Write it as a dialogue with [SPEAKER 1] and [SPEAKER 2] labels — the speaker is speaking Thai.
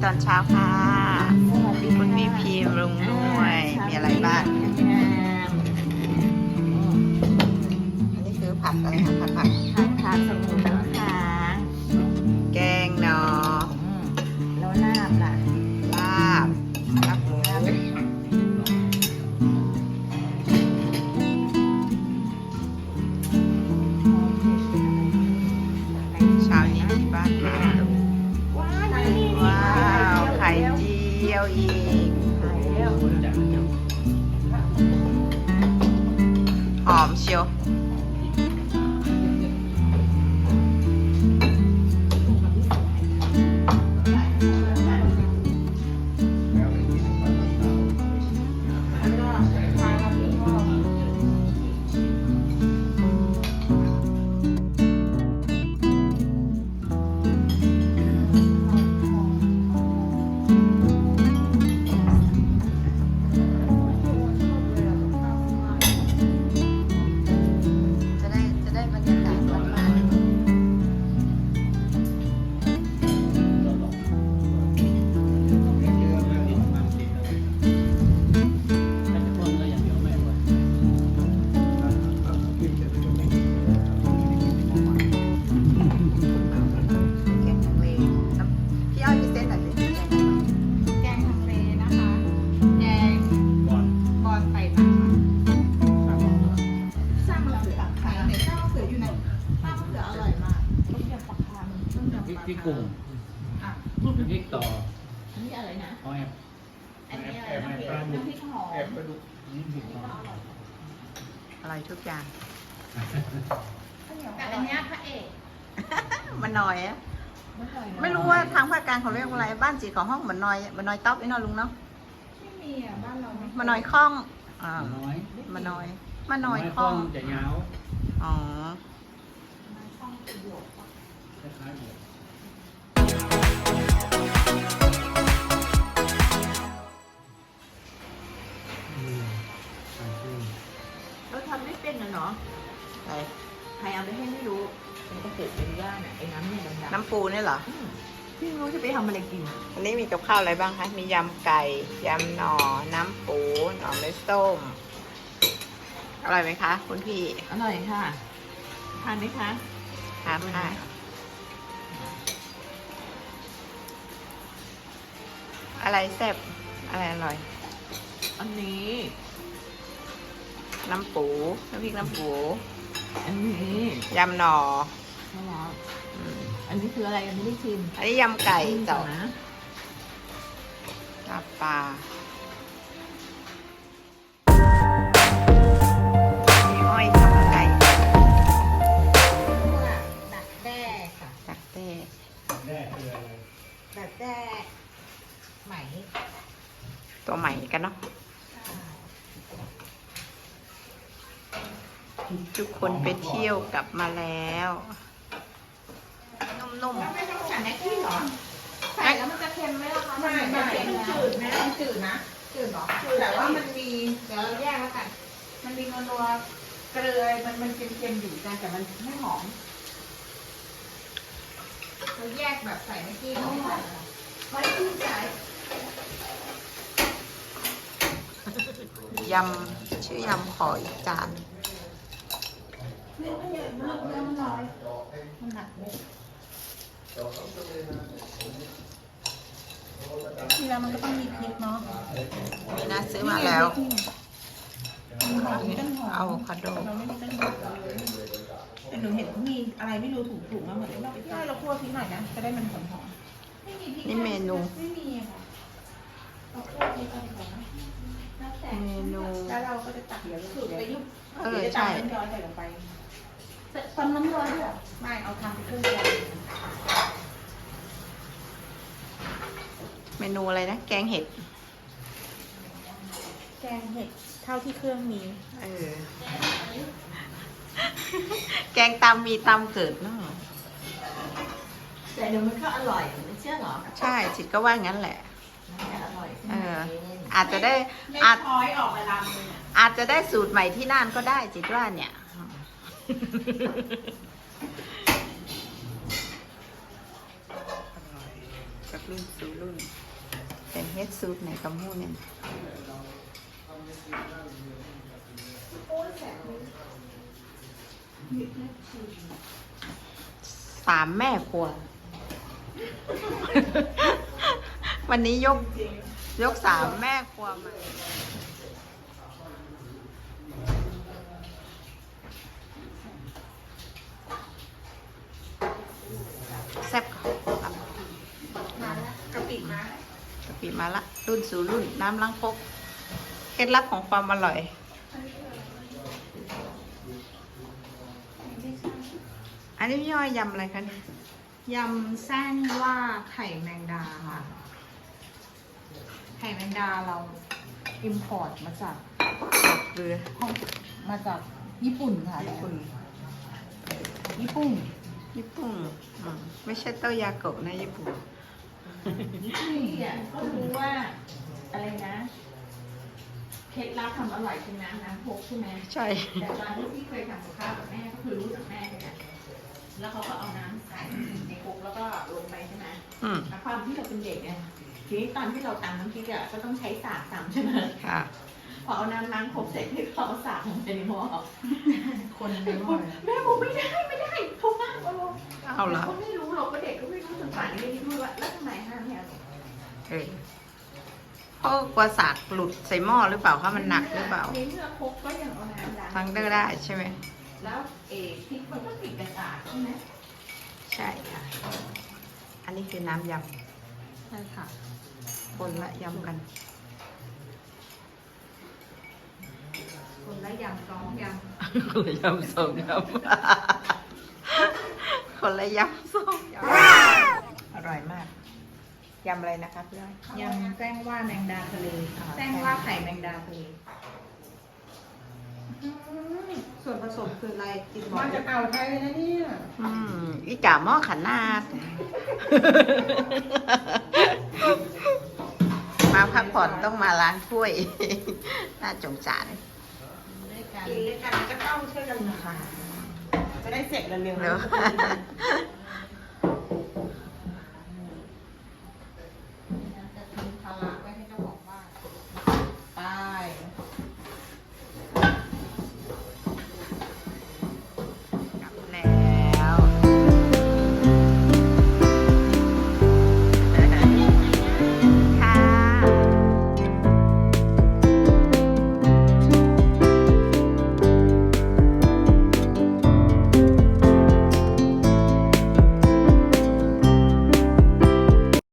[SPEAKER 1] อนเช้าค่ะ
[SPEAKER 2] สวัสดี
[SPEAKER 1] คุณ
[SPEAKER 2] ค่ะ
[SPEAKER 1] พี่พีมลุงด้วยมีอะไรบ้างอันนี้คือผัดอะไรคะผัด
[SPEAKER 2] ผัดสมุนน้ำค้าง
[SPEAKER 1] แกงหนอ
[SPEAKER 2] แล้วลาบล่ะ
[SPEAKER 1] ลาบหมูเช้านี้ที่บ้านค่ะว้าวไข่เจียวอีกหอมเชียวจะได้บรรยากาศบ้านแกงทะเลพี่อ้อยมีเส้นอะไรดิ
[SPEAKER 2] แกงทะเลนะคะ แกงบอลใส่ผักสร้างมะเขือขายไหนสร้างมะเขืออยู่ไหนสร้างมะเขืออร่อยมากต้มยำปลาคาร์ต้มยำปลาคาร์
[SPEAKER 3] ที่กลุ่ม
[SPEAKER 2] อ่ะ
[SPEAKER 3] ที่ต่อ
[SPEAKER 2] อันนี้อะไรนะ
[SPEAKER 3] เอาแอบ
[SPEAKER 2] อันนี้อะไรน้ำพริกน้ำพริกหอม
[SPEAKER 3] แอบไปดูนี่ถูกต้อง
[SPEAKER 1] อะไรทุกอย่าง
[SPEAKER 2] แต่อันนี้พระเอก
[SPEAKER 1] มันน้อยอะไม่รู้ว่าทางภาคกลางเขาเรียกว่าอะไรบ้านจีของห้องมันน้อยต๊อกไอ้นอลุงเนาะ
[SPEAKER 2] ไม่มีอ่ะบ้านเราไม่
[SPEAKER 1] มันน้อยคล้อง
[SPEAKER 3] น้อย
[SPEAKER 1] มันน้อยค
[SPEAKER 3] ข้
[SPEAKER 1] ล้
[SPEAKER 3] อ
[SPEAKER 1] อง
[SPEAKER 3] งจะยาว
[SPEAKER 1] อ๋อ
[SPEAKER 2] ช่องประโยชน์
[SPEAKER 3] คล้ายๆเดียว
[SPEAKER 2] เราทำไม่เป็นนะเนาะ
[SPEAKER 1] ไป
[SPEAKER 2] ใครเอาไปให้ไม่รู้มันก็เกิดเป็นย่าเนี่ยไอ้น้ำเนี่ยดำๆ
[SPEAKER 1] น้ำปูนี่เหรอ
[SPEAKER 2] พี่ไม่รู้จะไปทำอะไรกิน
[SPEAKER 1] อันนี้มีกับข้าวอะไรบ้างคะ มียำไก่ ยำหน่อ น้ำปูหน่อไม้ส้ม อร่อยไหมคะ คุณพี่
[SPEAKER 2] อร่อยค่ะทานไหมคะ
[SPEAKER 1] ทานค่ะอะไรแซ่บอะไรอร่อย
[SPEAKER 2] อันนี้
[SPEAKER 1] น้ำปูน้ำพริกน้ำปู
[SPEAKER 2] อันนี้
[SPEAKER 1] ยำหน่อ
[SPEAKER 2] ใช่แล้ว
[SPEAKER 1] อืม
[SPEAKER 2] อันนี้คืออะไรยังไม่ได้ชิม
[SPEAKER 1] อันนี้ยำไก่
[SPEAKER 2] ต่
[SPEAKER 1] ต่อ
[SPEAKER 2] อนะ
[SPEAKER 1] ลาบปลาพี่อ้อยทำไก่
[SPEAKER 2] ดักแด้ค่ะ
[SPEAKER 1] ตักเต้
[SPEAKER 3] แร่คืออะไร
[SPEAKER 2] ดักแด้ไหม
[SPEAKER 1] ตัวใหม่กันเนาะทุกคนไปเที่ยวกลับมาแล้ว นุ่ม
[SPEAKER 2] ไม่ต้องใส่แม็กกี้เหรอใส่แล้วมันจะเค็มไหมล่ะคะไม่มันจืดนะมันจืดนะจืดเหรอจืดแต่ว่ามันมีเดี๋ยวเราแยกแล้วกันมันมีนัวๆเกลือมันเค็มๆอยู่กันแต่มันไม่หอมเราแยกแบบใส่แม็กกี้ไม่ใส่ไม่ที่ใส่
[SPEAKER 1] ๆยำชื่อยำขออีกจาน
[SPEAKER 2] เนื้อมันใหญ่มากเนื้อมันน้อยมันหนักเลยทีแล้วมันก็ต้องมีพริกเนาะ
[SPEAKER 1] นี่นะซื้อมาแล้วเอาอะโวคาโด
[SPEAKER 2] เราไม่มีต้นหอมแต่หนูเห็นเขามีอะไรไม่รู้ถูกๆมาเหมือนเราใช่เราคั่วพริกหน่อยนะจะได้มันหอมๆไม่มีพริก
[SPEAKER 1] นี่เมนู
[SPEAKER 2] ไม่มีอะค่ะเราคั่วพริกอะไรก่อนนะแล้วแต่
[SPEAKER 1] เมนู
[SPEAKER 2] แล้วเราก็จะตักสูตรไปยุบ
[SPEAKER 1] ใช่
[SPEAKER 2] น้ำร้อนใส่ลงไปตอนน้ำร้อนด้วยไม่เอาทำเป็นเครื่องแกง
[SPEAKER 1] เมนูอะไรนะ แกงเห็ด
[SPEAKER 2] แกงเห็ดเท่าที่เครื่องมี
[SPEAKER 1] เออ แกงตำมีตำเกิดเนาะ
[SPEAKER 2] แต่เดี๋ยวมันก็อร่อยไม่เชื่อหรอ
[SPEAKER 1] ใช่จิตก็ว่างั้นแหละ
[SPEAKER 2] อร่อย
[SPEAKER 1] เออ อาจจะได้
[SPEAKER 2] ไม่
[SPEAKER 1] อาจ
[SPEAKER 2] ช้อยออกมาลำเลย
[SPEAKER 1] อาจจะได้สูตรใหม่ที่น่านก็ได้จิตว่าเนี่ย จากรุ่นสู่รุ่นฮ็ดสูตรไหนกับหมูเนี่ย
[SPEAKER 2] โอ้ยแสบเลย
[SPEAKER 1] สามแม่ครัว วันนี้ยกสามแม่ครัวมาแซ่บค่ะ
[SPEAKER 2] มาแล้วกะปิมาแล้ว
[SPEAKER 1] กะปิมาละรุ่นสู่รุ่นน้ำล้างครกเคล็ดลับของความอร่อย อันนี้พี่ย่อยยำอะไรคะเนี่ย
[SPEAKER 2] ยำแซงว่าไข่แมงดาค่ะ ไข่แมงดาเราอิมพอร์ตมาจาก
[SPEAKER 1] เกลือ
[SPEAKER 2] มาจากญี่ปุ่นค่ะ
[SPEAKER 1] ญี่ปุ่น
[SPEAKER 2] ญี่ปุ่น
[SPEAKER 1] ญี่ปุ่นไม่ใช่เต้ายาโกะนะญี่ปุ่น
[SPEAKER 2] นี่อ่ะก็รู้ว่าอะไรนะเคล็ดลับทำอร่อยคือน้ำพกใช่ไหม
[SPEAKER 1] ใช่
[SPEAKER 2] แต่ตอนที่พี่เคยทำกับข้าวกับแม่ก็คือรู้จากแม่เลยนะแล้วเขาก็เอาน้ำใส่ในครกแล้วก็ลงไปใช่ไหม
[SPEAKER 1] อืม
[SPEAKER 2] ความที่เราเป็นเด็กเนี่ยทีนี้ตอนที่เราตำน้ำพริกอ่ะก็ต้องใช้สากตำใช่ไหม
[SPEAKER 1] ค่ะ
[SPEAKER 2] พอเอาน้ำล้างครกเสร็จให้เขาเอาสากลงไปในหม้อ
[SPEAKER 1] คนในหม้อ
[SPEAKER 2] แม่บอกไม่ได้เขามากเอาลง
[SPEAKER 1] เอาละ
[SPEAKER 2] เขาไม่รู้หรอกว่าเด็กก็ไม่รู้จนป่านนี้ไม่รู้ว่าแล้วทำไมห้ามเนี่ย
[SPEAKER 1] เพราะกลัวสากหลุดใส่หม้อหรือเปล่าคะมันหนักหรือเปล่า
[SPEAKER 2] ในเมื่อครกก็ยังเอาน้ำล้าง
[SPEAKER 1] ทั้งได้ใช่ไหม
[SPEAKER 2] แล้วพริกมันก็ติดกระสากใช่ไหม
[SPEAKER 1] ใช่ค่ะ อันนี้คือน้ำย
[SPEAKER 2] ใช่ค่ะ
[SPEAKER 1] ำคนละยำกัน
[SPEAKER 2] คนละยำสองย
[SPEAKER 1] คนละยำสองยำคนละยำสองยำอร่อยมาก ยำอะไรนะคะพี่ย้อย
[SPEAKER 2] ำยำแจ้งว่าแมงดาทะเลแจ้งว่าไข่แมงดาทะเลส่วนผสมคืออะไรติดบอก
[SPEAKER 4] มาจากอ่าวไทยเลยนะเนี่ย
[SPEAKER 1] อีจ่าหม้อขนาด มาพักผ่อนต้องมาล้างถ้วย น่าสงสาร
[SPEAKER 2] ด้วยกัน
[SPEAKER 4] กินด้วยกันก็ต้องช่วยกันทำจะได้เสร็จเร็วๆ
[SPEAKER 1] เดี๋ยว
[SPEAKER 4] นะ